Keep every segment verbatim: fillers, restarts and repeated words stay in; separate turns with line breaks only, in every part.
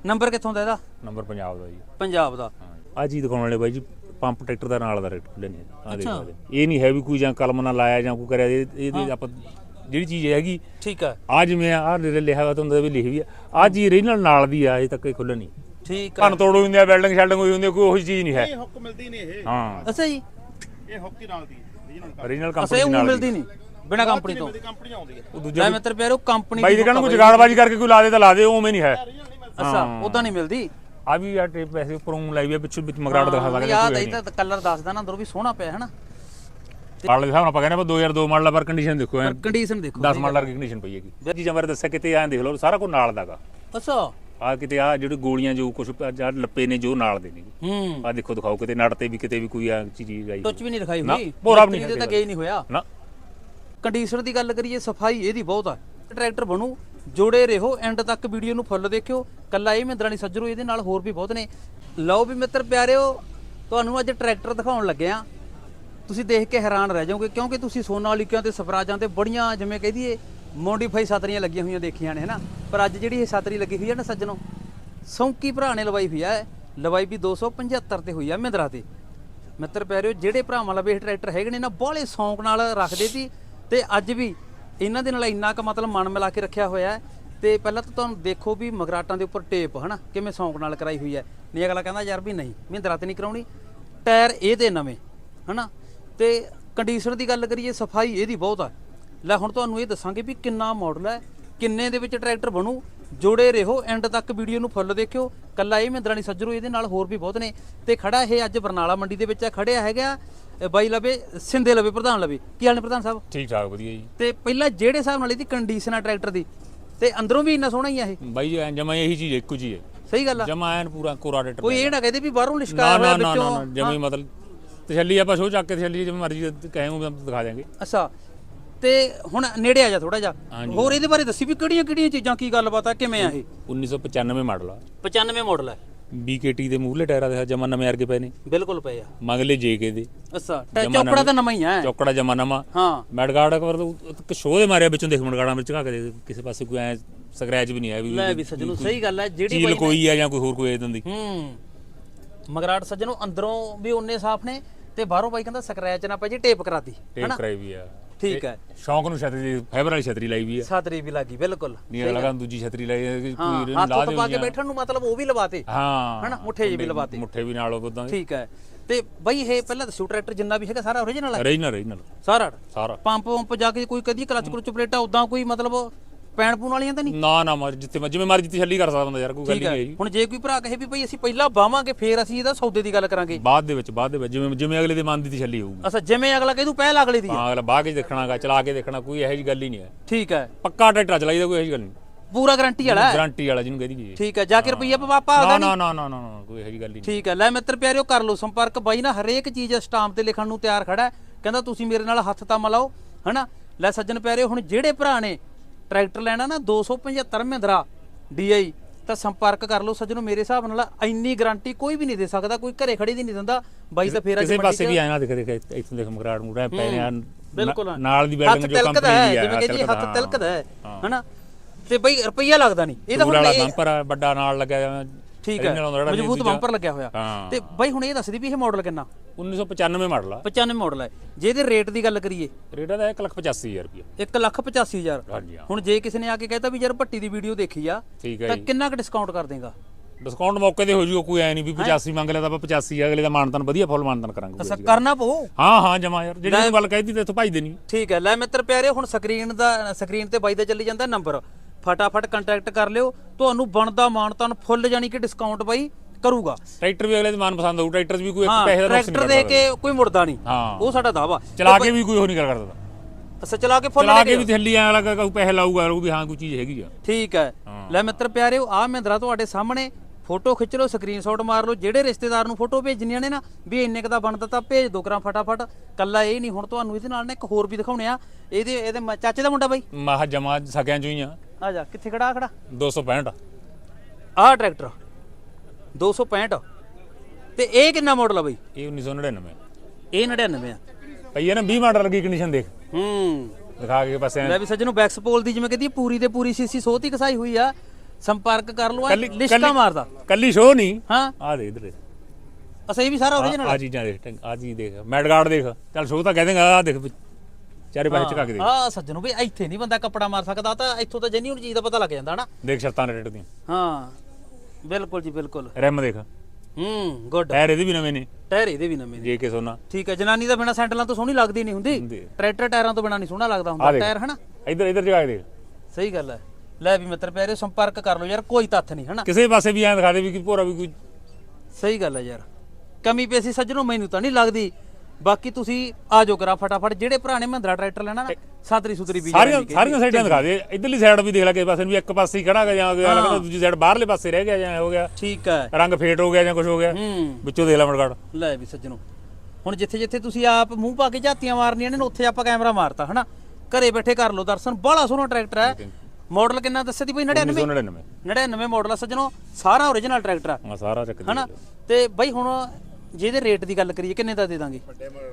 Number ਕਿੱਥੋਂ ਦਾ ਇਹਦਾ?
Number Punjab ਦਾ ਜੀ।
ਪੰਜਾਬ ਦਾ।
ਆ ਚੀਜ਼ ਦਿਖਾਉਣ ਵਾਲੇ ਬਾਈ ਜੀ ਪੰਪ ਟਰੈਕਟਰ ਦਾ ਨਾਲ ਦਾ ਰੇਟ ਖੁੱਲੇ ਨੇ ਆ ਦੇਖੋ ਇਹ ਨਹੀਂ ਹੈ ਵੀ ਕੋਈ ਜਾਂ ਕਲਮ ਨਾਲ ਲਾਇਆ ਜਾਂ ਕੋਈ ਕਰਿਆ ਇਹਦੇ ਆਪਾਂ ਜਿਹੜੀ ਚੀਜ਼ ਹੈਗੀ
ਠੀਕ ਹੈ
ਆ ਜਿਵੇਂ ਆ ਲਿਖਿਆ ਹੋਇਆ ਤੁਹਾਨੂੰ ਵੀ ਲਿਖੀ ਵੀ ਆ ਆ ਚੀਜ਼ ਰੀਜਨਲ ਨਾਲ ਦੀ ਆ ਅਜੇ ਤੱਕ ਇਹ ਖੁੱਲ੍ਹ ਨਹੀਂ
ਠੀਕ
ਭੰਨ ਤੋੜ ਹੁੰਦੀ ਆ ਵੈਲਡਿੰਗ ਸ਼ੈਲਡਿੰਗ ਹੋਈ ਹੁੰਦੀ ਕੋਈ ਉਹੀ ਚੀਜ਼ ਨਹੀਂ ਹੈ
ਇਹ ਹੁੱਕ ਮਿਲਦੀ ਨਹੀਂ ਇਹ
ਹਾਂ
ਅੱਛਾ ਜੀ
ਇਹ ਹੁੱਕ ਹੀ ਨਾਲ ਦੀ
ਓਰੀਜਨਲ
ਅੱਛਾ
ਕੰਪਨੀ
ਇਹ
ਨਾਲ
ਮਿਲਦੀ ਨਹੀਂ ਬਿਨਾ ਕੰਪਨੀ ਤੋਂ
ਕੰਪਨੀ ਆਉਂਦੀ ਹੈ
ਉਹ ਦੂਜਾ
ਲੈ ਮਿੱਤਰ ਪਿਆਰੋ ਕੰਪਨੀ
ਬਾਈ ਦੇ ਕਹਿਣ ਕੋਈ ਜਗਾੜਬਾਜੀ ਕਰਕੇ ਕੋਈ ਲਾ ਦੇ ਤਾਂ ਲਾ ਦੇ ਉਵੇਂ ਨਹੀਂ ਹੈ
ਅੱਛਾ ਉਦਾਂ ਨਹੀਂ ਮਿਲਦੀ
ਆ ਵੀ ਆ ਟੇਪ ਵੈਸੇ ਉੱਪਰੋਂ ਲਾਈ ਵੀ ਪਿੱਛੋਂ ਵਿੱਚ ਮਗਰਾੜ ਦਿਖਾ ਸਕਦੇ
ਯਾਦ ਇਹ ਤਾਂ ਕਲਰ ਦੱਸਦਾ ਨਾ ਅੰਦਰੋਂ ਵੀ ਸੋਹਣਾ ਪਿਆ ਹੈ ਨਾ
ਹਾਲ ਦੇ ਹਿਸਾਬ ਨਾਲ ਆਪਾਂ ਕਹਿੰਦੇ ਦੋ ਹਜ਼ਾਰ ਦੋ ਮਾਡਲ ਪਰ ਕੰਡੀਸ਼ਨ ਦੇਖੋ ਐ
ਕੰਡੀਸ਼ਨ ਦੇਖੋ
ਦਸ ਮਾਡਲ ਦੀ ਕੰਡੀਸ਼ਨ ਪਈ ਹੈਗੀ ਚੀਜ਼ਾਂ ਬਾਰੇ ਦੱਸਿਆ ਕਿਤੇ ਐਂ ਦੇਖ ਲਓ ਸਾਰਾ ਕੁਝ ਨਾਲ ਦਾਗਾ
ਅੱਛਾ
ਆ ਕਿਤੇ ਆ ਜਿਹੜੀ ਗੋਲੀਆਂ ਜੋ ਕੁਝ ਲੱਪੇ ਨੇ ਜੋ ਨਾਲ ਦੇ ਨੇ
ਹੂੰ
ਆ ਦੇਖੋ ਦਿਖਾਓ ਕਿਤੇ ਨੜ ਤੇ ਵੀ ਕਿਤੇ ਵੀ ਕੋਈ ਆ ਚੀਜ਼ ਆਈ
ਟੱਚ ਵੀ ਨਹੀਂ ਰਖਾਈ ਹੋਈ
ਭੋਰਾ ਵੀ ਨਹੀਂ
ਤਾਂ ਗਈ ਨਹੀਂ ਹੋਇਆ
ਨਾ
ਕੰਡੀਸ਼ਨਰ ਦੀ ਗੱਲ ਕਰੀਏ ਸਫਾਈ ਇਹਦੀ ਬਹੁਤ ਆ ਟਰੈਕਟਰ ਬਣੂ ਜੋੜੇ ਰਹੋ ਐਂਡ ਤੱਕ ਵੀਡੀਓ ਨੂੰ ਫੁੱਲ ਦੇਖਿਓ ਕੱਲਾ ਇਹ ਮਹਿੰਦਰਾ ਨਹੀਂ ਸੱਜਰੋ ਇਹਦੇ ਨਾਲ ਹੋਰ ਵੀ ਬਹੁਤ ਨੇ ਲਓ ਵੀ ਮਿੱਤਰ ਪਿਆਰਿਓ ਤੁਹਾਨੂੰ ਅੱਜ ਟਰੈਕਟਰ ਦਿਖਾਉਣ ਲੱਗੇ ਆ ਤੁਸੀਂ ਦੇਖ ਕੇ ਹੈਰਾਨ ਰਹਿ ਜਾਓਗੇ ਕਿਉਂਕਿ ਤੁਸੀਂ ਸੋਨਾਲੀਕਿਆਂ ਤੇ ਸਵਰਾਜਾਂ ਤੇ ਬੜੀਆਂ ਜਿਵੇਂ ਕਹਿ ਦਈਏ ਮੋਡੀਫਾਈ ਸਤਰੀਆਂ ਲੱਗੀਆਂ ਹੋਈਆਂ ਦੇਖੀਆਂ ਨੇ ਹਨਾ ਪਰ ਅੱਜ ਜਿਹੜੀ ਇਹ ਸਤਰੀ ਲੱਗੀ ਹੋਈ ਹੈ ਨਾ ਸੱਜਣੋ ਸੌਂਕੀ ਭਰਾ ਨੇ ਲਵਾਈ ਹੋਈ ਹੈ ਲਵਾਈ ਵੀ ਦੋ ਸੌ ਪਝੱਤਰ ਤੇ ਹੋਈ ਆ ਮਹਿੰਦਰਾ ਤੇ ਮਿੱਤਰ ਪਿਆਰਿਓ ਜਿਹੜੇ ਭਰਾਵਾਂ ਲਵੇ ਇਹ ਟਰੈਕਟਰ ਹੈਗੇ ਨੇ ਨਾ ਬਾਹਲੇ ਸ਼ੌਂਕ ਨਾਲ ਰੱਖਦੇ ਸੀ ਤੇ ਅੱਜ ਵੀ ਇਹਨਾਂ ਦੇ ਨਾਲ ਇੰਨਾ ਕੁ ਮਤਲਬ ਮਨ ਮਿਲਾ ਕੇ ਰੱਖਿਆ ਹੋਇਆ ਤੇ ਪਹਿਲਾਂ ਤਾਂ ਤੁਹਾਨੂੰ ਦੇਖੋ ਵੀ ਮਗਰਾਟਾਂ ਦੇ ਉੱਪਰ ਟੇਪ ਹਨਾ ਕਿਵੇਂ ਸ਼ੌਂਕ ਨਾਲ ਕਰਾਈ ਹੋਈ ਹੈ ਨਹੀਂ ਅਗਲਾ ਕਹਿੰਦਾ ਯਾਰ ਵੀ ਨਹੀਂ ਮਹਿੰਦਰਾ ਤੇ ਨਹੀਂ ਕਰਾਉਣੀ ਟਾਇਰ ਇਹਦੇ ਨਵੇਂ ਹਨਾ ਤੇ ਕੰਡੀਸ਼ਨ ਦੀ ਗੱਲ ਕਰੀਏ ਸਫਾਈ ਇਹਦੀ ਬਹੁਤ ਆ ਲੈ ਹੁਣ ਤੁਹਾਨੂੰ ਇਹ ਦੱਸਾਂਗੇ ਵੀ ਕਿੰਨਾ ਮਾਡਲ ਹੈ ਕਿੰਨੇ ਦੇ ਵਿੱਚ ਟਰੈਕਟਰ ਬਣੂ ਜੋੜੇ ਰਹੋ ਐਂਡ ਤੱਕ ਵੀਡੀਓ ਨੂੰ ਫੁੱਲ ਦੇਖਿਓ ਕੱਲਾ ਇਹ ਮਹਿੰਦਰਾ ਨਹੀਂ ਸੱਜਰੋ ਇਹਦੇ ਨਾਲ ਹੋਰ ਵੀ ਬਹੁਤ ਨੇ ਤੇ ਖੜਾ ਇਹ ਅੱਜ ਬਰਨਾਲਾ ਮੰਡੀ ਦੇ ਵਿੱਚ ਖੜਿਆ ਹੈਗਾ ਬਾਈ ਲਵੇ ਸਿੰਦੇ ਲਵੇ ਪ੍ਰਧਾਨ ਲਵੇ ਕੀ ਹਾਲ ਨੇ ਪ੍ਰਧਾਨ ਸਾਹਿਬ
ਠੀਕ ਠਾਕ ਵਧੀਆ ਜੀ
ਤੇ ਪਹਿਲਾਂ ਜਿਹੜੇ ਹਿਸਾਬ ਨਾਲ ਇਹਦੀ ਕੰਡੀਸ਼ਨ ਆ ਟਰੈਕਟਰ ਦੀ ਤੇ ਅੰਦਰੋਂ ਵੀ ਇੰਨਾ ਸੋਹਣਾ ਹੀ ਆ ਇਹ
ਬਾਈ ਜਮਾ ਇਹੀ ਚੀਜ਼ ਇੱਕੋ ਜੀ ਹੈ
ਸਹੀ ਗੱਲ ਆ
ਜਮਾ ਐਨ ਪੂਰਾ ਕੋਰਾ ਟਰੈਕਟਰ
ਕੋਈ ਇਹ ਨਾ ਕਹਦੇ ਵੀ ਬਾਹਰੋਂ ਲਿਸ਼ਕਾਇਆ ਹੋਇਆ ਵਿੱਚੋਂ
ਜਮੀ ਮਤਲਬ ਤਸੱਲੀ ਆਪਾਂ ਸ਼ੋਅ ਚੱਕ ਕੇ ਤਸੱਲੀ ਜਿਵੇਂ ਮਰਜ਼ੀ ਕਹੇਂਗੇ ਦਿਖਾ ਦਿਆਂਗੇ
ਅੱਛਾ ਤੇ ਹੁਣ ਨੇੜੇ ਆ ਜਾ ਥੋੜਾ ਜਿਹਾ ਹੋਰ ਇਹਦੇ ਬਾਰੇ ਦੱਸੀ ਵੀ ਕਿਹੜੀਆਂ ਕਿਹੜੀਆਂ ਚੀਜ਼ਾਂ ਕੀ ਗੱਲਬਾਤ ਆ ਕਿਵੇਂ ਆ ਇਹ
ਉੱਨੀ ਸੌ ਪਚਾਨਵੇਂ ਮਾਡਲ ਆ
ਪਚਾਨਵੇਂ ਮਾਡਲ ਹੈ
ਬੀਕੇਟੀ ਦੇ ਮੂਹਰਲੇ ਟਾਇਰਾਂ ਦੇ ਜਮਾ ਨਵੇਂ ਅਰਗੇ ਪਏ ਨੇ
ਬਿਲਕੁਲ ਪਏ ਆ
ਮਗਲੇ ਜੇਕੇ ਦੇ
ਅੱਛਾ ਚੌਕੜਾ ਤਾਂ ਨਵਾਂ ਹੀ ਆ
ਚੌਕੜਾ ਜਮਾ ਨਵਾਂ
ਹਾਂ
ਮੈਡਗਾਰਡ ਕਵਰ ਇੱਕ ਸ਼ੋਅ ਦੇ ਮਾਰਿਆ ਵਿੱਚੋਂ ਦੇਖ ਮੈਡਗਾਰਡਾਂ ਵਿੱਚ ਝਾਕ ਕੇ ਕਿਸੇ ਪਾਸੇ ਕੋਈ ਐ ਸਕ੍ਰੈਚ ਵੀ ਨਹੀਂ ਆਇਆ ਵੀ
ਲੈ ਵੀ ਸੱਜਣੋ ਸਹੀ ਗੱਲ ਹੈ ਜਿਹੜੀ
ਚੀਲ ਕੋਈ ਆ ਜਾਂ ਕੋਈ ਹੋਰ ਕੋਈ ਇਦਾਂ ਦੀ
ਹੂੰ ਮਗਰਾਟ ਸੱਜਣੋ ਅੰਦਰੋਂ ਵੀ ਉਹਨੇ ਸਾਫ਼ ਨੇ ਤੇ ਬਾਹਰੋਂ ਬਾਈ ਕਹਿੰਦਾ ਸਕ੍ਰੈਚ ਨਾ ਪੈ ਜੀ ਟੇਪ ਕਰਾਤੀ
ਟੇਪ ਕਰਾਈ ਵੀ ਆ
ਠੀਕ ਹੈ
ਸ਼ੌਂਕ ਨੂੰ ਛਤਰੀ ਫਾਈਬਰ ਵਾਲੀ ਛਤਰੀ ਲਾਈ ਵੀ ਆ
ਛਤਰੀ ਵੀ ਲੱਗੀ ਬਿਲਕੁਲ
ਨਹੀਂ ਲਗਾ ਦੂਜੀ ਛਤਰੀ ਲਾਈ ਕੋਈ
ਲਾ ਦੇ ਪਾ ਕੇ ਬੈਠਣ ਨੂੰ ਮਤਲਬ ਉਹ ਵੀ ਲਵਾਤੇ
ਹਾਂ
ਹਨਾ ਮੁੱਠੇ ਜੀ ਵੀ ਲਵਾਤੇ
ਮੁੱਠੇ ਵੀ ਨਾਲ ਉਦਾਂ
ਠੀਕ ਹੈ ਤੇ ਬਾਈ ਇਹ ਪਹਿਲਾਂ ਦੱਸੋ ਟਰੈਕਟਰ ਜਿੰਨਾ ਵੀ ਹੈਗਾ ਸਾਰਾ ਓਰੀਜਨਲ ਹੈ
ਓਰੀਜਨਲ ਓਰੀਜਨਲ
ਸਾਰਾ
ਸਾਰਾ
ਪੰਪ ਪੰਪ ਜਾ ਕੇ ਕੋਈ ਕਦੀ ਕਲਚ ਕਲਚ ਪਲੇਟਾ ਉਦਾਂ ਕੋਈ ਮਤਲਬ ਪੈਣ ਪੂਣ ਵਾਲੀਆਂ ਤਾਂ ਨਹੀਂ
ਨਾ ਨਾ ਮਰ ਜਿੱਥੇ ਜਿਵੇਂ ਮਰਜ਼ੀ ਤਸੱਲੀ ਕਰ ਸਕਦਾ ਬੰਦਾ ਯਾਰ ਕੋਈ ਗੱਲ ਨਹੀਂ ਹੈ
ਹੁਣ ਜੇ ਕੋਈ ਭਰਾ ਕਹੇ ਵੀ ਭਾਈ ਅਸੀਂ ਪਹਿਲਾਂ ਬਾਵਾਂਗੇ ਫੇਰ ਅਸੀਂ ਇਹਦਾ ਸੌਦੇ ਦੀ ਗੱਲ ਕਰਾਂਗੇ
ਬਾਅਦ ਦੇ ਵਿੱਚ ਬਾਅਦ ਦੇ ਵਿੱਚ ਜਿਵੇਂ ਜਿਵੇਂ ਅਗਲੇ ਦੇ ਮਨ ਦੀ ਤਸੱਲੀ ਹੋਊਗੀ
ਅੱਛਾ ਜਿਵੇਂ ਅਗਲਾ ਕਹੇ ਤੂੰ ਪਹਿਲਾਂ ਅਗਲੇ ਦੀ
ਹਾਂ ਅਗਲਾ ਬਾਅਦ ਵਿੱਚ ਦੇਖਣਾਗਾ ਚਲਾ ਕੇ ਦੇਖਣਾ ਕੋਈ ਇਹੋ ਜਿਹੀ ਗੱਲ ਹੀ ਨਹੀਂ ਹੈ
ਠੀਕ ਹੈ
ਪੱਕਾ ਟਰੈਕਟਰ ਚਲਾਈਦਾ ਕੋਈ ਇਹੋ ਜਿਹੀ ਗੱਲ ਨਹੀਂ
ਪੂਰਾ ਗਾਰੰਟੀ ਵਾਲਾ ਹੈ
ਗਾਰੰਟੀ ਵਾਲਾ ਜਿਹਨੂੰ ਕਹਦੀ ਜੀ
ਠੀਕ ਹੈ ਜਾ ਕੇ ਰੁਪਈਆ ਪਾਪਾ ਆਦਾ
ਨਾ ਨਾ ਨਾ ਨਾ ਨਾ ਕੋਈ ਇਹੋ ਜਿਹੀ ਗੱਲ ਹੀ ਨਹੀਂ
ਠੀਕ ਹੈ ਲੈ ਮਿੱਤਰ ਪਿਆਰਿਓ ਕਰ ਲਓ ਸੰਪਰਕ ਬਾਈ ਨਾ ਹਰੇਕ ਚੀਜ਼ ਸਟਾਂਪ ਤੇ ਲਿਖਣ ਨੂੰ ਤਿਆਰ ਖੜਾ ਕਹਿੰਦਾ ਤੁਸੀਂ ਮੇਰੇ ਨਾਲ ਹੱਥ ਤਾਂ ਮਿਲਾਓ ਹਨਾ ਲੈ ਸੱਜਣ ਪਿਆਰਿਓ ਹੁਣ ਜਿਹੜੇ ਭਰਾ ਨੇ ਟਰੈਕਟਰ ਲੈਣਾ ਨਾ ਦੋ ਸੌ ਪਝੱਤਰ ਮਹਿੰਦਰਾ ਡੀਆਈ ਤਾਂ ਸੰਪਰਕ ਕਰ ਲਓ ਸੱਜਣੋ ਮੇਰੇ ਹਿਸਾਬ ਨਾਲ ਇੰਨੀ ਗਾਰੰਟੀ ਕੋਈ ਵੀ ਨਹੀਂ ਦੇ ਸਕਦਾ ਕੋਈ ਘਰੇ ਖੜੀ ਦੀ ਨਹੀਂ ਦਿੰਦਾ ਬਾਈ ਤਾਂ ਫੇਰ
ਕਿਸੇ ਪਾਸੇ ਵੀ ਆਇਆ ਨਾ ਦੇਖ ਦੇਖ ਇੱਥੋਂ ਦੇਖ ਮਗਰਾੜ ਮੂੜਾ ਪੈ ਨੇ
ਬਿਲਕੁਲ
ਨਾਲ ਦੀ ਬਿਲਡਿੰਗ ਜੋ ਕੰਪਨੀ ਦੀ ਹੈ
ਜਿਵੇਂ ਕਿ ਜੀ ਹੱਥ ਤਿਲਕਦਾ ਹੈ ਹਨਾ ਤੇ ਬਈ ਰੁਪਈਆ ਲੱਗਦਾ ਨਹੀਂ ਇਹ ਤਾਂ ਹੁਣ
ਬੰਪਰ ਵੱਡਾ ਨਾਲ ਲੱਗਿਆ
ਠੀਕ ਹੈ ਮਜ਼ਬੂਤ ਬੰਪਰ ਲੱਗਿਆ ਹੋਇਆ ਤੇ ਬਾਈ ਹੁਣ ਇਹ ਦੱਸ ਦੀ ਵੀ ਇਹ ਮਾਡਲ ਕਿੰਨਾ
ਉੱਨੀ ਸੌ ਪਚਾਨਵੇਂ ਮਾਡਲ ਆ
ਪਚਾਨਵੇਂ ਮਾਡਲ ਹੈ ਜੇ ਇਹਦੇ ਰੇਟ ਦੀ ਗੱਲ ਕਰੀਏ
ਰੇਟ ਦਾ ਇੱਕ ਲੱਖ ਪਚਾਸੀ ਹਜ਼ਾਰ ਰੁਪਏ
ਇੱਕ ਲੱਖ ਪਚਾਸੀ ਹਜ਼ਾਰ
ਹਾਂਜੀ
ਹੁਣ ਜੇ ਕਿਸੇ ਨੇ ਆ ਕੇ ਕਹਿਤਾ ਵੀ ਯਾਰ ਭੱਟੀ ਦੀ ਵੀਡੀਓ ਦੇਖੀ ਆ ਤਾਂ ਕਿੰਨਾ ਕੁ ਡਿਸਕਾਊਂਟ ਕਰ ਦੇਗਾ
ਡਿਸਕਾਊਂਟ ਮੌਕੇ ਤੇ ਹੋ ਜੂਗਾ ਕੋਈ ਐ ਨਹੀਂ ਵੀ ਪਚਾਸੀ ਮੰਗ ਲਿਆ ਤਾਂ ਆਪਾਂ ਪਚਾਸੀ ਅਗਲੇ ਦਾ ਮਾਨਤਨ ਵਧੀਆ ਫੁੱਲ ਮਾਨਤਨ ਕਰਾਂਗੇ
ਅੱਛਾ ਕਰਨਾ ਪਊ
ਹਾਂ ਹਾਂ ਜਮਾ ਯਾਰ ਜਿਹੜੀ ਗੱਲ ਕਹਿਦੀ ਤੇ ਇੱਥੋਂ ਭਜਦੇ ਨਹੀਂ ਠੀਕ
ਹੈ ਲੈ ਮਿੱਤਰ ਪਿਆਰੇ ਹੁਣ ਸਕਰੀਨ ਦਾ ਸਕਰੀਨ ਤੇ ਬਾਈ ਦਾ ਚੱਲੀ ਜਾਂਦਾ ਨੰਬਰ ਫਟਾਫਟ ਕੰਟੈਕਟ ਕਰ ਲਿਓ ਤੁਹਾਨੂੰ ਬਣਦਾ ਮਾਨਤਨ ਫੁੱਲ ਜਾਨੀ ਕਿ ਡਿਸਕਾਊਂਟ ਬਾਈ ਕਰੂਗਾ
ਟਰੈਕਟਰ ਵੀ ਅਗਲੇ ਦੇ ਮਨ ਪਸੰਦ ਹੋਊ ਟਰੈਕਟਰ ਵੀ ਕੋਈ ਪੈਸੇ ਦਾ ਨੁਕਸਾਨ
ਟਰੈਕਟਰ ਦੇ ਕੇ ਕੋਈ ਮੁੜਦਾ ਨਹੀਂ ਉਹ ਸਾਡਾ ਦਾਵਾ
ਚਲਾ ਕੇ ਵੀ ਕੋਈ ਹੋ ਨਹੀਂ ਕਰ ਕਰਦਾ
ਅੱਛਾ ਚਲਾ ਕੇ ਫੁੱਲ
ਚਲਾ ਕੇ ਵੀ ਥੱਲੀ ਐ ਲੱਗਾ ਕੋਈ ਪੈਸੇ ਲਾਊਗਾ ਉਹ ਵੀ ਹਾਂ ਕੋਈ ਚੀਜ਼ ਹੈਗੀ ਆ
ਠੀਕ ਹੈ ਲੈ ਮਿੱਤਰ ਪਿਆਰਿਓ ਆ ਮਹਿੰਦਰਾ ਤੁਹਾਡੇ ਸਾਹਮਣੇ ਫੋਟੋ ਖਿੱਚ ਲਓ ਸਕਰੀਨਸ਼ਾਟ ਮਾਰ ਲਓ ਜਿਹੜੇ ਰਿਸ਼ਤੇਦਾਰ ਨੂੰ ਫੋਟੋ ਭੇਜਣੀਆਂ ਨੇ ਨਾ ਵੀ ਇੰਨੇ ਕ ਦਾ ਬਣਦਾ ਤਾਂ ਭੇਜ ਦੋ ਕਰਾਂ ਫਟਾਫਟ ਕੱਲਾ ਇਹ ਨਹੀਂ ਹੁਣ ਤੁਹਾਨੂੰ ਇਹਦੇ ਨਾਲ ਨਾ ਇੱਕ ਹੋਰ ਵੀ ਦਿਖਾਉਣੇ ਆ ਇਹਦੇ ਇਹਦੇ ਚਾਚੇ ਦਾ ਮੁੰਡਾ ਬਾਈ
ਮਾਹ ਜਮਾ ਸਕਿਆਂ ਚੋਂ ਹੀ ਆ
ਆ ਜਾ ਕਿੱਥੇ ਖੜਾ ਖੜਾ
ਦੋ ਸੌ ਪੈਂਹਠ
ਆਹ ਟਰੈਕਟਰ ਦੋ ਸੌ ਪੈਂਹਠ ਤੇ ਇਹ ਕਿੰਨਾ ਮਾਡਲ ਆ ਬਾਈ
ਇਹ ਉੱਨੀ ਸੌ ਨੜਿਨਵੇਂ
ਇਹ ਨੜਿਨਵੇਂ ਆ
ਪਈਏ ਨਾ ਵੀਹ ਮਾਡਲ ਲੱਗੀ ਕੰਡੀਸ਼ਨ ਦੇਖ
ਹੂੰ
ਦਿਖਾ ਕੇ ਪਾਸੇ
ਲੈ ਵੀ ਸੱਜਣੋ ਬੈਕਸਪੋਲ ਦੀ ਜਿਵੇਂ ਕਹਿੰਦੀ ਪੂਰੀ ਤੇ ਪੂਰੀ ਸੀਸੀ ਸੋਤੀ ਕਸਾਈ ਹੋਈ ਆ ਸੰਪਰਕ ਕਰ ਲਓ,
ਕੱਲੀ-
ਲਿਸ਼ਕਾ
ਕੱਲੀ-
ਮਾਰਦਾ।
ਕੱਲੀ ਸ਼ੋਅ ਨਹੀਂ,
ਹਾਂ
ਆ ਦੇ ਇਧਰ
ਅਸਾਂ ਇਹ ਵੀ ਸਾਰਾ ਓਰੀਜਨਲ
ਆ ਚੀਜ਼ਾਂ ਦੇਖ ਆ ਚੀਜ਼ ਦੇਖ ਮੈਡਗਾਰਡ ਦੇਖ, ਚੱਲ ਸ਼ੋਅ ਤਾਂ ਕਹਿ ਦੇਗਾ, ਆ ਦੇਖ ਚਾਰੇ ਪਾਸੇ ਝਕਾ ਕੇ ਦੇਖ,
ਆ ਸੱਜਣੋ ਵੀ ਇੱਥੇ ਨਹੀਂ ਬੰਦਾ ਕੱਪੜਾ ਮਾਰ ਸਕਦਾ, ਤਾਂ ਇੱਥੋਂ ਤਾਂ ਜੈਨੂਇਨ ਚੀਜ਼ ਦਾ ਪਤਾ ਲੱਗ ਜਾਂਦਾ ਹਨਾ।
ਦੇਖ ਸ਼ਰਤਾਂ ਰੇਟ ਦੀਆਂ,
ਹਾਂ ਬਿਲਕੁਲ ਜੀ ਬਿਲਕੁਲ।
ਰਿਮ ਦੇਖ,
ਹੂੰ ਗੁੱਡ।
ਟਾਇਰ ਇਹਦੇ ਵੀ ਨਵੇਂ ਨੇ,
ਟਾਇਰ ਇਹਦੇ ਵੀ ਨਵੇਂ ਨੇ।
ਜੇ ਕੇ ਸੋਨਾ।
ਠੀਕ ਹੈ, ਜਨਾਨੀ ਦਾ ਬਿਨਾ ਸੈਂਡਲਾਂ ਤੋਂ ਸੋਹਣੀ ਲੱਗਦੀ ਨਹੀਂ ਹੁੰਦੀ,
ਹੁੰਦੀ।
ਟਰੈਕਟਰ ਟਾਇਰਾਂ ਤੋਂ ਬਿਨਾ ਨਹੀਂ ਸੋਹਣਾ ਲੱਗਦਾ
ਆ
ਹੁੰਦਾ
ਦੇਖ।
ਟਾਇਰ ਹਨਾ।
ਇੱਧਰ ਇੱਧਰ ਝਕਾ ਕੇ ਦੇਖ,
ਸਹੀ ਗੱਲ ਹੈ। ਲੈ ਵੀ ਮਿੱਤਰ ਪਿਆਰੇ ਸੰਪਰਕ ਕਰ ਲਓ ਯਾਰ, ਕੋਈ ਤੱਥ ਨਹੀਂ ਹਨਾ।
ਕਿਸੇ ਪਾਸੇ ਵੀ ਐਂ ਦਿਖਾ ਦੇ ਵੀ ਕੋਈ ਭੋਰਾ ਵੀ ਕੋਈ।
ਸਹੀ ਗੱਲ ਹੈ ਯਾਰ, ਕਮੀ ਪੇਸੀ ਸੱਜਣੋ ਮੈਨੂੰ ਤਾਂ ਨਹੀਂ ਲੱਗਦੀ। ਬਾਕੀ ਤੁਸੀਂ ਆ ਜਾਓ ਕਰਾ ਫਟਾਫਟ, ਜਿਹੜੇ ਭਰਾ ਨੇ ਮਹਿੰਦਰਾ ਟਰੈਕਟਰ ਲੈਣਾ ਨਾ, ਸਾਤਰੀ ਸੁਤਰੀ ਵੀ
ਸਾਰੀਆਂ ਸਾਰੀਆਂ ਸਾਈਡਾਂ ਦਿਖਾ ਦੇ, ਇੱਧਰਲੀ ਸਾਈਡ ਵੀ ਦੇਖ ਲੈ, ਕਿਸੇ ਪਾਸੇ ਨੂੰ ਵੀ ਇੱਕ ਪਾਸੇ ਹੀ ਖੜਾ ਗਿਆ ਜਾਂ ਅਗਲਾ ਕਹਿੰਦਾ ਦੂਜੀ ਸਾਈਡ ਬਾਹਰਲੇ ਪਾਸੇ ਰਹਿ ਗਿਆ ਜਾਂ ਹੋ ਗਿਆ,
ਠੀਕ ਹੈ।
ਰੰਗ ਫੇਟ ਹੋ ਗਿਆ ਜਾਂ ਕੁਝ ਹੋ ਗਿਆ,
ਹੂੰ
ਵਿੱਚੋਂ ਦੇਖ ਲੈ ਮੜਗੜ।
ਲੈ ਵੀ ਸੱਜਣੋ, ਹੁਣ ਜਿੱਥੇ ਜਿੱਥੇ ਤੁਸੀਂ ਆਪ ਮੂੰਹ ਪਾ ਕੇ ਝਾਤੀਆਂ ਮਾਰਨੀਆਂ ਨੇ, ਉੱਥੇ ਆਪਾਂ ਕੈਮਰਾ ਮਾਰਤਾ ਹਨਾ। ਘਰੇ ਬੈਠੇ ਕਰ ਲਓ ਦਰਸ਼ਨ, ਬੜਾ ਸੋਹਣਾ ਟਰੈਕਟਰ ਹੈ। ਮਾਡਲ ਕਿੰਨਾ ਦੱਸਿਆ ਦੀ ਬਈ? ਨੜਿਨਵੇਂ
ਨੜਿਨਵੇਂ
ਨੜਿਨਵੇਂ ਮਾਡਲ ਆ ਸੱਜਣੋ, ਸਾਰਾ ਓਰੀਜਨਲ ਟਰੈਕਟਰ ਆ
ਹਾਂ, ਸਾਰਾ ਚੱਕ
ਹਨਾ। ਤੇ ਬਈ ਹੁਣ ਜਿਹਦੇ ਰੇਟ ਦੀ ਗੱਲ ਕਰੀਏ, ਕਿੰਨੇ ਦਾ ਦੇ ਦਾਂਗੇ?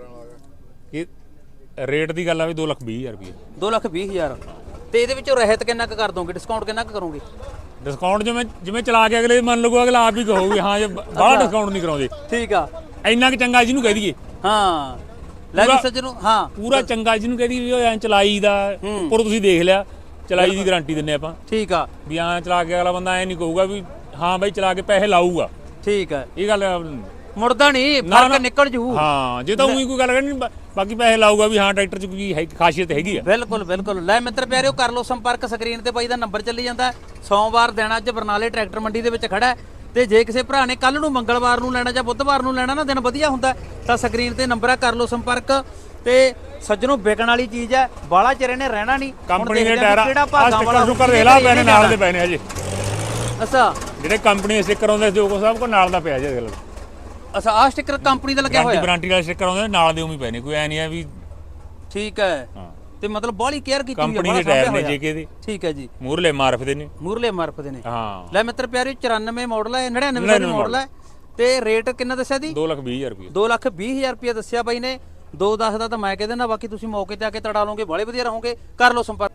ਇਹ ਰੇਟ ਦੀ ਗੱਲ ਆ ਵੀ ਦੋ ਲੱਖ ਵੀਹ ਹਜ਼ਾਰ ਰੁਪਏ।
ਦੋ ਲੱਖ ਵੀਹ ਹਜ਼ਾਰ। ਤੇ ਇਹਦੇ ਵਿੱਚੋਂ ਰਹਿਤ ਕਿੰਨਾ ਕੁ ਕਰ ਦੋਗੇ, ਡਿਸਕਾਊਂਟ ਕਿੰਨਾ ਕੁ ਕਰੋਗੇ?
ਡਿਸਕਾਊਂਟ ਜਿਵੇਂ ਜਿਵੇਂ ਚਲਾ ਕੇ ਅਗਲੇ ਮੰਨ ਲਗੋ, ਅਗਲਾ ਆਪ ਹੀ ਕਹੋਗੇ ਹਾਂ ਜੇ ਬਾਹਲਾ ਡਿਸਕਾਊਂਟ ਨਹੀਂ ਕਰਾਉਂਦੇ।
ਠੀਕ ਆ,
ਇੰਨਾ ਕਿ ਚੰਗਾ ਜਿਹਨੂੰ ਕਹਿ ਦਈਏ।
ਹਾਂ ਲੈ ਵੀ ਸੱਜਣੋ, ਹਾਂ
ਪੂਰਾ ਚੰਗਾ ਜਿਹਨੂੰ ਕਹਿ ਦਈਏ ਵੀ ਉਹ ਐਂ ਚਲਾਈ ਦਾ ਉੱਪਰ ਤੁਸੀਂ ਦੇਖ ਲਿਆ, ਚਲਾਈ ਦੀ ਗਾਰੰਟੀ ਦਿੰਨੇ ਆਪਾਂ।
ਠੀਕ ਆ,
ਵੀ ਐਂ ਚਲਾ ਕੇ ਅਗਲਾ ਬੰਦਾ ਐਂ ਨਹੀਂ ਕਹੂਗਾ ਵੀ ਹਾਂ ਬਾਈ ਚਲਾ ਕੇ ਪੈਸੇ ਲਾਊਗਾ।
ਠੀਕ ਹੈ,
ਇਹ ਗੱਲ
ਮੁੜਦਾ ਨਹੀਂ,
ਨਾ,
ਫਰਕ
ਨਾ।
ਨਿਕਲ ਜੂ।
ਹਾਂ, ਜੇ ਤਾਂ ਉਹੀ ਕੋਈ ਗੱਲ ਕਰਨੀ, ਬਾਕੀ ਪੈਸੇ ਲਾਊਗਾ ਵੀ ਹਾਂ ਟਰੈਕਟਰ 'ਚ ਕੋਈ ਹੈ ਖਾਸੀਅਤ ਹੈਗੀ ਆ।
ਬਿਲਕੁਲ ਬਿਲਕੁਲ। ਲੈ ਮਿੱਤਰ ਪਿਆਰਿਓ, ਕਰ ਲਓ ਸੰਪਰਕ, ਸਕਰੀਨ ਤੇ ਬਾਈ ਦਾ ਨੰਬਰ ਚੱਲੀ ਜਾਂਦਾ। ਸੋਮਵਾਰ ਦਿਨ ਅੱਜ ਬਰਨਾਲੇ ਟਰੈਕਟਰ ਮੰਡੀ ਦੇ ਵਿੱਚ ਖੜਾ ਹੈ। ਤੇ ਜੇ ਕਿਸੇ ਭਰਾ ਨੇ ਕੱਲ ਨੂੰ ਮੰਗਲਵਾਰ ਨੂੰ ਲੈਣਾ ਜਾਂ ਬੁੱਧਵਾਰ ਨੂੰ ਲੈਣਾ ਨਾ, ਦਿਨ ਵਧੀਆ ਹੁੰਦਾ, ਤਾਂ ਸਕਰੀਨ ਤੇ ਨੰਬਰ ਆ, ਕਰ ਲਓ ਸੰਪਰਕ। ਤੇ ਸੱਜਣੋਂ ਵਿਕਣ ਵਾਲੀ ਚੀਜ਼ ਹੈ, ਬਾਲਾ ਚਿਰ ਇਹਨੇ ਰਹਿਣਾ ਨਹੀਂ।
ਕੰਪਨੀ ਦੇ ਟਾਇਰ ਆ ਸਟicker ਸੁਕਰ ਦੇਖ ਲਾ ਪੈਨੇ ਨਾਲ ਦੇ ਪੈਨੇ ਹਜੇ।
ਅੱਛਾ,
ਜਿਹੜੇ ਕੰਪਨੀ ਦੇ ਸਟicker ਆਉਂਦੇ ਜੋ ਕੋ ਸਭ ਕੋ ਨਾਲ ਦਾ ਪਿਆ ਜੇ ਦੇਖ ਲਓ।
ਅੱਛਾ ਆ ਸਟicker ਕੰਪਨੀ ਦਾ ਲੱਗਿਆ ਹੋਇਆ?
ਗਾਰੰਟੀ ਵਾਲਾ ਸਟicker ਆਉਂਦੇ ਨਾਲ ਦੇ ਉਵੇਂ ਪਏ ਨੇ, ਕੋਈ ਐ ਨਹੀਂ ਆ ਵੀ।
ਠੀਕ ਹੈ।
ਹਾਂ,
ਤੇ ਮਤਲਬ ਬਾਹਲੀ ਕੇਅਰ ਕੀਤੀ ਹੋਈ ਹੈ,
ਕੰਪਨੀ ਦੇ ਟਾਇਰ ਨੇ ਜੇਕੇ ਦੇ।
ਠੀਕ ਹੈ ਜੀ,
ਮੂਰਲੇ ਮਾਰਫ ਦੇ ਨੇ,
ਮੂਰਲੇ ਮਾਰਫ ਦੇ ਨੇ।
ਹਾਂ
ਲੈ ਮਿੱਤਰ ਪਿਆਰਿਓ, ਚੁਰਾਨਵੇਂ ਮਾਡਲ ਹੈ, ਨੜਿਨਵੇਂ ਦਾ ਮਾਡਲ ਹੈ। ਤੇ ਰੇਟ ਕਿੰਨਾ ਦੱਸਿਆ ਦੀ?
ਦੋ ਲੱਖ ਵੀਹ ਹਜ਼ਾਰ ਰੁਪਏ।
ਦੋ ਲੱਖ ਵੀਹ ਹਜ਼ਾਰ ਰੁਪਏ ਦੱਸਿਆ ਬਾਈ ਨੇ। ਦੋ ਦਸ ਦਾ ਤਾਂ ਮੈਂ ਕਹਿ ਦਿੰਦਾ, ਬਾਕੀ ਤੁਸੀਂ ਮੌਕੇ ਤੇ ਆ ਕੇ ਤੜਾ ਲਓਗੇ, ਬਾਲੇ ਵਧੀਆ ਰਹੋਗੇ। ਕਰ ਲਓ ਸੰਪਰਕ।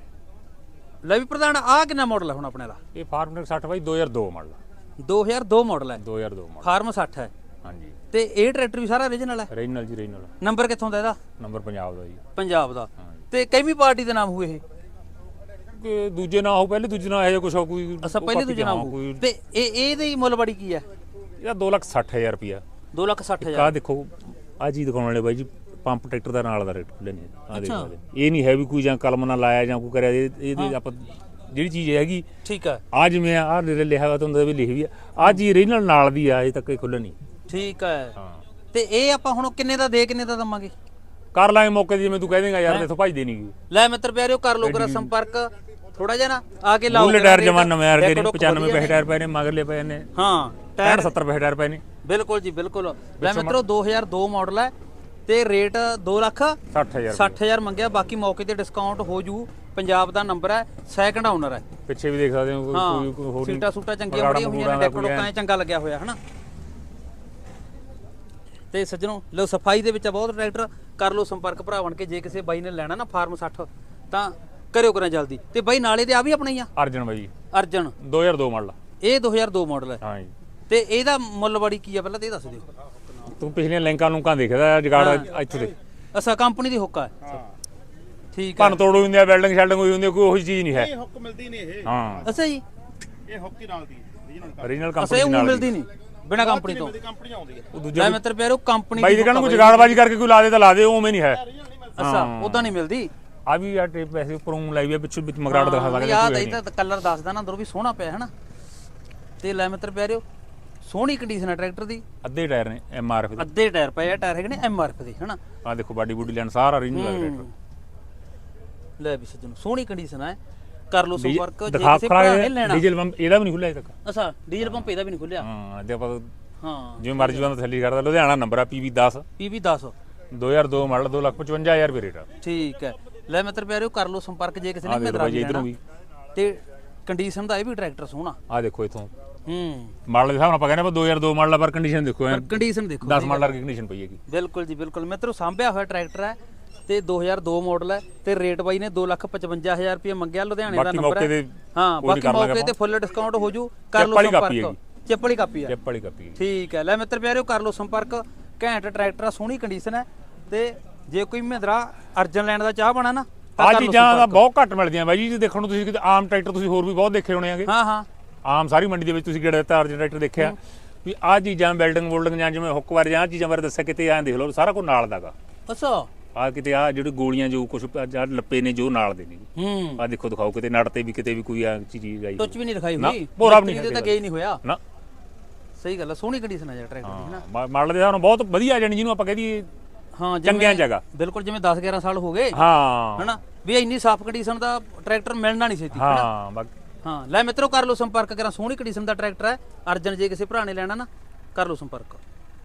ਲੈ ਵੀ ਪ੍ਰਧਾਨ, ਆ ਕਿੰਨਾ ਮਾਡਲ ਹੈ ਹੁਣ ਆਪਣੇ ਵਾਲਾ?
ਇਹ ਫਾਰਮਟੈਕ ਸੱਠ ਬਾਈ ਦੋ ਹਜ਼ਾਰ ਦੋ ਮਾਡਲ।
ਦੋ ਹਜ਼ਾਰ ਦੋ ਮਾਡਲ ਹੈ,
ਦੋ ਹਜ਼ਾਰ ਦੋ ਮਾਡਲ।
ਫਾਰਮ ਸੱਠ ਹੈ।
ਹਾਂਜੀ।
ਤੇ ਇਹ ਟਰੈਕਟਰ ਵੀ ਸਾਰਾ ਓਰੀਜਨਲ ਹੈ?
ਰੀਜਨਲ ਜੀ, ਰੀਜਨਲ।
ਨੰਬਰ ਕਿੱਥੋਂ ਦਾ ਇਹਦਾ?
ਨੰਬਰ ਪੰਜਾਬ ਦਾ ਜੀ।
ਪੰਜਾਬ ਦਾ।
ਹਾਂ।
ਤੇ ਕਿੰਨੀ ਪਾਰਟੀ ਦੇ ਨਾਮ ਹੋਏ ਇਹ?
ਕਿ ਦੂਜੇ ਨਾ ਹੋ, ਪਹਿਲੇ ਦੂਜੇ ਨਾਲ ਇਹ ਕੁਛ ਹੋ ਕੋਈ।
ਅੱਛਾ, ਪਹਿਲੇ ਦੂਜੇ ਨਾਮ ਹੋ। ਤੇ ਇਹ ਇਹਦੀ ਮੁੱਲ ਬੜੀ ਕੀ ਹੈ?
ਇਹਦਾ ਦੋ ਲੱਖ ਸੱਠ ਹਜ਼ਾਰ ਰੁਪਿਆ।
ਦੋ ਲੱਖ ਸੱਠ ਹਜ਼ਾਰ।
ਆਹ ਦੇਖੋ, ਆਹ ਚੀਜ਼ ਦਿਖਾਉਣ ਵਾਲੇ ਬਾਈ ਜੀ, ਪੰਪ ਟਰੈਕਟਰ ਦਾ ਨਾਲ ਦਾ ਰੇਟ ਖੁੱਲੇ ਨੇ। ਆਹ ਦੇਖੋ, ਇਹ ਨਹੀਂ ਹੈ ਵੀ ਕੋਈ ਜਾਂ ਕਲਮ ਨਾਲ ਲਾਇਆ ਜਾਂ ਕੋਈ ਕਰਿਆ। ਇਹਦੇ ਆਪਾਂ ਜਿਹੜੀ ਚੀਜ਼ ਹੈਗੀ,
ਠੀਕ ਹੈ,
ਆ ਜਿਵੇਂ ਆਹ ਲਿਖਿਆ ਹੋਇਆ ਤੁਹਾਨੂੰ ਵੀ ਲਿਖੀ ਵੀ ਆ, ਆਹ ਚੀਜ਼ ਰੀਜਨਲ ਨਾਲ ਦੀ ਆ, ਅਜੇ ਤੱਕ ਇਹ ਖੁੱਲੇ ਨਹੀਂ।
ਠੀਕ ਹੈ।
ਹਾਂ।
ਤੇ ਇਹ ਆਪਾਂ ਹੁਣ ਕਿੰਨੇ ਦਾ ਦੇ ਕਿੰਨੇ ਦਾ ਦਵਾਂਗੇ?
ਕਰ ਲਾਂਗੇ ਮੌਕੇ ਤੇ, ਜਿਵੇਂ ਤੂੰ ਕਹਿ ਦੇਂਗਾ ਯਾਰ, ਇੱਥੋਂ ਭੱਜਦੇ ਨਹੀਂ ਗਈ।
ਲੈ ਮਿੱਤਰ ਪਿਆਰਿਓ, ਕਰ ਲਓ ਕਰਾ ਸੰਪਰਕ, ਥੋੜਾ ਜਿਹਾ ਨਾ ਆ ਕੇ ਲਾਓ।
ਮੂਲੇ ਟਾਇਰ ਜਮਾਨ ਨਵੇਂ ਆਰ ਦੇ ਪਚਾਨਵੇਂ ਪੈਸੇ ਟਾਇਰ ਪਏ ਨੇ, ਮਗਰਲੇ ਪਏ ਨੇ
ਹਾਂ
ਟਾਇਰ ਸੱਤਰ ਪੈਸੇ ਟਾਇਰ ਪਏ ਨੇ।
ਬਿਲਕੁਲ ਜੀ ਬਿਲਕੁਲ। ਲੈ ਮਿੱਤਰੋ, ਦੋ ਹਜ਼ਾਰ ਦੋ ਮਾਡਲ ਹੈ ਤੇ ਰੇਟ ਦੋ ਲੱਖ
ਸੱਠ ਹਜ਼ਾਰ
ਸੱਠ ਹਜ਼ਾਰ ਮੰਗਿਆ। ਬਾਕੀ ਮੌਕੇ ਤੇ ਡਿਸਕਾਊਂਟ ਹੋ ਜੂ। ਪੰਜਾਬ ਦਾ ਨੰਬਰ ਹੈ, ਸੈਕੰਡ ਓਨਰ ਹੈ।
ਪਿੱਛੇ ਵੀ ਦੇਖ ਸਕਦੇ ਹੋ, ਕੋਈ ਕੋਈ ਹੋਰ
ਸੀਟਾਂ ਸੂਟਾਂ ਚੰਗੀਆਂ ਬੜੀਆਂ ਹੋਈਆਂ ਨੇ, ਡੈਕੋ ਲੋਕਾਂ ਐ ਚੰਗਾ ਲੱਗਿਆ ਹੋਇਆ ਹਨਾ। ਤੇ ਸੱਜਣੋ, ਲੋ ਸਫਾਈ ਦੇ ਵਿੱਚ ਬਹੁਤ ਟਰੈਕਟਰ। ਕਰ ਲਓ ਸੰਪਰਕ ਭਰਾ ਬਣ ਕੇ, ਜੇ ਕਿਸੇ ਬਾਈ ਨੇ ਲੈਣਾ ਨਾ ਫਾਰਮ ਸੱਠ, ਤਾਂ ਕਰਿਓ ਕਰਾਂ ਜਲਦੀ। ਤੇ ਬਾਈ ਨਾਲੇ ਦੇ ਆ ਵੀ ਆਪਣੇ ਹੀ ਆ?
ਅਰਜਨ ਬਾਈ,
ਅਰਜਨ
ਦੋ ਹਜ਼ਾਰ ਦੋ ਮਾਡਲ।
ਇਹ ਦੋ ਹਜ਼ਾਰ ਦੋ ਮਾਡਲ ਹੈ।
ਹਾਂ ਜੀ।
ਤੇ ਇਹਦਾ ਮੁੱਲ ਬੜੀ ਕੀ ਆ, ਪਹਿਲਾਂ ਤੇ ਇਹ ਦੱਸ ਦਿਓ।
ਤੂੰ ਪਿਛਲੀਆਂ ਲਿੰਕਾਂ ਲੁੰਕਾਂ ਦੇਖਦਾ ਜਗਾੜ ਇੱਥੇ ਦੇ।
ਅੱਛਾ, ਕੰਪਨੀ ਦੀ ਹੁੱਕ ਆ। ਠੀਕ ਹੈ।
ਭੰਨ ਤੋੜ ਹੋਈ ਹੁੰਦੀ ਆ, ਵੈਲਡਿੰਗ ਸ਼ੈਲਡਿੰਗ ਹੋਈ ਹੁੰਦੀ ਆ, ਕੋਈ ਉਹੀ ਚੀਜ਼ ਨਹੀਂ ਹੈ।
ਇਹ ਹੁੱਕ ਮਿਲਦੀ ਨਹੀਂ ਇਹ।
ਹਾਂ,
ਅੱਛਾ ਜੀ,
ਇਹ ਹੁੱਕ ਹੀ ਨਾਲ ਦੀ ਓਰੀਜਨਲ
ਓਰੀਜਨਲ
ਅੱਛਾ
ਕੰਪਨੀ
ਇਹ
ਨਾਲ
ਮਿਲਦੀ ਨਹੀਂ ਬਿਨਾ ਕੰਪਨੀ ਤੋਂ?
ਕੰਪਨੀ ਆਉਂਦੀ ਹੈ
ਉਹ ਦੂਜਾ
ਲੈ ਮਿੱਤਰ ਪਿਆਰੋ, ਕੰਪਨੀ
ਬਾਈ ਦੇ ਕਹਿਣ ਕੋਈ ਜਗਾੜਬਾਜੀ ਕਰਕੇ ਕੋਈ ਲਾ ਦੇ ਤਾਂ ਲਾ ਦੇ, ਉਵੇਂ ਨਹੀਂ ਹੈ।
ਅੱਛਾ, ਉਦਾਂ ਨਹੀਂ ਮਿਲਦੀ।
ਆ ਵੀ ਆ ਟੇਪ ਵੈਸੇ ਉੱਪਰੋਂ ਲਾਈ ਵੀ ਪਿੱਛੋਂ ਵਿੱਚ ਮਗਰਾਟ ਦਿਖਾ ਸਕਦੇ
ਯਾਦ ਆਈ ਤਾਂ ਕਲਰ ਦੱਸਦਾ ਨਾ, ਅੰਦਰੋਂ ਵੀ ਸੋਹਣਾ ਪਿਆ ਹਨਾ। ਤੇ ਲੈ ਮਿੱਤਰ ਪਿਆਰਿਓ, ਸੋਹਣੀ ਕੰਡੀਸ਼ਨ ਹੈ ਟਰੈਕਟਰ ਦੀ।
ਅੱਧੇ ਟਾਇਰ ਨੇ ਐਮ ਆਰ ਐਫ ਦੇ।
ਅੱਧੇ ਟਾਇਰ ਪਏ ਆ, ਟਾਇਰ ਹੈਗੇ ਨੇ ਐਮ ਆਰ ਐਫ ਦੇ ਹਨਾ।
ਆ ਦੇਖੋ, ਬਾਡੀ ਬੂਡੀ ਲੈਣ ਸਾਰਾ ਓਰੀਜਨਲ ਟਰੈਕਟਰ।
ਲੈ ਵੀ ਸੱਜਣੋ, ਸੋਹਣੀ ਕੰਡੀਸ਼ਨ ਹੈ। ਕਰ ਲਓ ਸੰਪਰਕ, ਜੇ
ਦਿਖਾ
ਕਿਸੇ ਭਰਾ ਨੇ ਲੈਣਾ।
ਡੀਜ਼ਲ ਪੰਪ ਇਹਦਾ ਵੀ ਨਹੀਂ ਖੁੱਲਿਆ ਅਜੇ ਤੱਕ।
ਅੱਛਾ, ਡੀਜ਼ਲ ਪੰਪ ਇਹਦਾ ਵੀ ਨਹੀਂ ਖੁੱਲਿਆ।
ਹਾਂ, ਤੇ ਆਪਾਂ
ਹਾਂ,
ਜਿਵੇਂ ਮਰਜ਼ੀ ਬੰਦਾ ਥੱਲੀ ਕਰਦਾ। ਲੁਧਿਆਣਾ ਨੰਬਰ ਆ ਪੀ ਵੀ ਦਸ,
ਪੀ ਵੀ ਦਸ,
ਦੋ ਹਜ਼ਾਰ ਦੋ ਮਾਡਲ, ਦੋ ਲੱਖ ਪਚਵੰਜਾ ਹਜ਼ਾਰ ਰੁਪਏ ਰੇਟ ਆ।
ਠੀਕ ਹੈ। ਲੈ ਮਿੱਤਰ ਪਿਆਰਿਓ, ਕਰ ਲਓ ਸੰਪਰਕ, ਜੇ ਕਿਸੇ ਨੇ ਮਹਿੰਦਰਾ
ਬਾਈ ਇਧਰੋਂ ਵੀ।
ਤੇ ਕੰਡੀਸ਼ਨ ਦਾ ਇਹ ਵੀ ਟਰੈਕਟਰ ਸੋਹਣਾ।
ਆ ਦੇਖੋ ਇਥੋਂ
ਹੂੰ,
ਮਾਡਲ ਦੇ ਹਿਸਾਬ ਨਾਲ ਆਪਾਂ ਕਹਿੰਦੇ ਆਪਾਂ ਦੋ ਹਜ਼ਾਰ ਦੋ ਮਾਡਲ ਆ, ਪਰ ਕੰਡੀਸ਼ਨ ਦੇਖੋ ਐ
ਕੰਡੀਸ਼ਨ ਦੇਖੋ,
ਦਸ ਮਾਡਲ ਵਰਗੀ ਕੰਡੀਸ਼ਨ ਪਈ ਹੈਗੀ।
ਬਿਲਕੁਲ ਜੀ ਬਿਲਕੁਲ। ਮਿੱਤਰੋ, ਸਾਂਭਿਆ ਹੋਇਆ ਟਰੈਕਟਰ ਹੈ। ਤੇ ਦੋ ਹਜ਼ਾਰ ਦੋ ਮਾਡਲ ਹੈ ਤੇ ਰੇਟ ਬਾਈ ਨੇ ਦੋ ਲੱਖ ਪਚਵੰਜਾ ਹਜ਼ਾਰ ਰੁਪਏ ਮੰਗਿਆ, ਲੁਧਿਆਣੇ ਦਾ
ਬਾਕੀ
ਨੰਬਰ
ਮੌਕੇ
ਹੈ।
ਤੇ
ਹਾਂ
ਕੋਈ
ਬਾਕੀ
ਕਰ ਲਾਂਗੇ
ਮੌਕੇ ਤੇ
ਆਪਾਂ।
ਫੁੱਲ ਡਿਸਕਾਊਂਟ ਹੋ ਜੂ, ਕਰ ਲਓ
ਚਿੱਪ ਵਾਲੀ ਕਾਪੀ
ਸੰਪਰਕ।
ਹੈਗੀ।
ਚਿੱਪ ਵਾਲੀ ਕਾਪੀ ਆ,
ਚਿੱਪ ਵਾਲੀ ਕਾਪੀ
ਠੀਕ ਹੈ। ਲੈ ਮਿੱਤਰ ਪਿਆਰਿਓ ਕਰ ਲਓ ਸੰਪਰਕ, ਘੈਂਟ ਟਰੈਕਟਰ ਆ, ਸੋਹਣੀ ਕੰਡੀਸ਼ਨ ਹੈ। ਤੇ ਜੇ ਕੋਈ ਮਹਿੰਦਰਾ ਅਰਜਨ ਲੈਣ ਦਾ ਚਾਹ ਬਣਾ ਨਾ ਤਾਂ
ਆ
ਕਰ ਲਓ
ਚੀਜ਼ਾਂ ਦਾ
ਸੰਪਰਕ।
ਬਹੁਤ ਘੱਟ ਮਿਲਦੀਆਂ ਬਾਈ ਜੀ, ਦੇਖਣ ਨੂੰ ਤੁਸੀਂ ਕਿਤੇ ਆਮ ਟਰੈਕਟਰ ਤੁਸੀਂ ਹੋਰ ਵੀ ਬਹੁਤ ਦੇਖੇ ਹੋਣੇ ਆਗੇ।
ਹਾਂ ਹਾਂ
ਆਮ ਸਾਰੀ ਮੰਡੀ ਦੇ ਵਿੱਚ ਤੁਸੀਂ ਕਿਹੜਾ ਤਾਰ ਜਨਰੇਟਰ ਦੇਖਿਆ ਵੀ ਆਹ ਚੀਜ਼ਾਂ ਬਿਲਡਿੰਗ ਬੁਲਡਿੰਗ ਜਾਂ ਜਿਵੇਂ ਹੁੱਕ ਬਾਰੇ ਜਾਂ ਆਹ ਚੀਜ਼ਾਂ ਬਾਰੇ ਦੱਸਿਆ, ਕਿਤੇ ਐਂ ਦੇਖ ਲਓ ਸਾਰਾ ਕੁਝ ਨਾਲ ਦਾਗਾ।
ਅੱਛਾ
ਆ ਕਿਤੇ ਆ ਜਿਹੜੀ ਗੋਲੀਆਂ ਜੋ ਕੁਝ ਲੱਪੇ ਨੇ ਜੋ ਨਾਲ ਦੇ ਨੇ
ਹੂੰ
ਆ ਦੇਖੋ ਦਿਖਾਓ, ਕਿਤੇ ਨੜ ਤੇ ਵੀ ਕਿਤੇ ਵੀ ਕੋਈ ਆ ਚੀਜ਼ ਆਈ
ਟੁੱਚ ਵੀ ਨਹੀਂ ਦਿਖਾਈ
ਨਾ,
ਹੋਈ,
ਭੋਰਾ ਵੀ ਨਹੀਂ
ਮਿਸਤਰੀ ਦੇ ਤਾਂ ਗਏ ਨਹੀਂ ਹੋਇਆ।
ਨਾ
ਸਹੀ ਗੱਲ ਹੈ, ਸੋਹਣੀ ਕੰਡੀਸ਼ਨ ਹੈ ਯਾਰ ਟਰੈਕਟਰ ਦੀ ਹੈ ਨਾ।
ਮਾਡਲ ਦੇ ਹਿਸਾਬ ਨਾਲ ਬਹੁਤ ਵਧੀਆ ਜਾਣੀ ਜਿਹਨੂੰ ਆਪਾਂ ਕਹਿ ਦਈਏ
ਹਾਂ
ਚੰਗਿਆਂ ਜਗ੍ਹਾ।
ਬਿਲਕੁਲ ਜਿਵੇਂ ਦਸ ਗਿਆਰਾਂ ਸਾਲ ਹੋ ਗਏ
ਹਾਂ
ਹਨਾ, ਵੀ ਇੰਨੀ ਸਾਫ਼ ਕੰਡੀਸ਼ਨ ਦਾ ਟਰੈਕਟਰ ਮਿਲਣਾ ਨਹੀਂ ਛੇਤੀ।
ਹਾਂ ਬਾਕੀ
ਹਾਂ ਲੈ ਮਿੱਤਰੋ ਕਰ ਲਓ ਸੰਪਰਕ, ਕਰਾਂ ਸੋਹਣੀ ਕੰਡੀਸ਼ਨ ਦਾ ਟਰੈਕਟਰ ਹੈ ਅਰਜਨ, ਜੇ ਕਿਸੇ ਭਰਾ ਨੇ ਲੈਣਾ ਨਾ ਕਰ ਲਓ ਸੰਪਰਕ।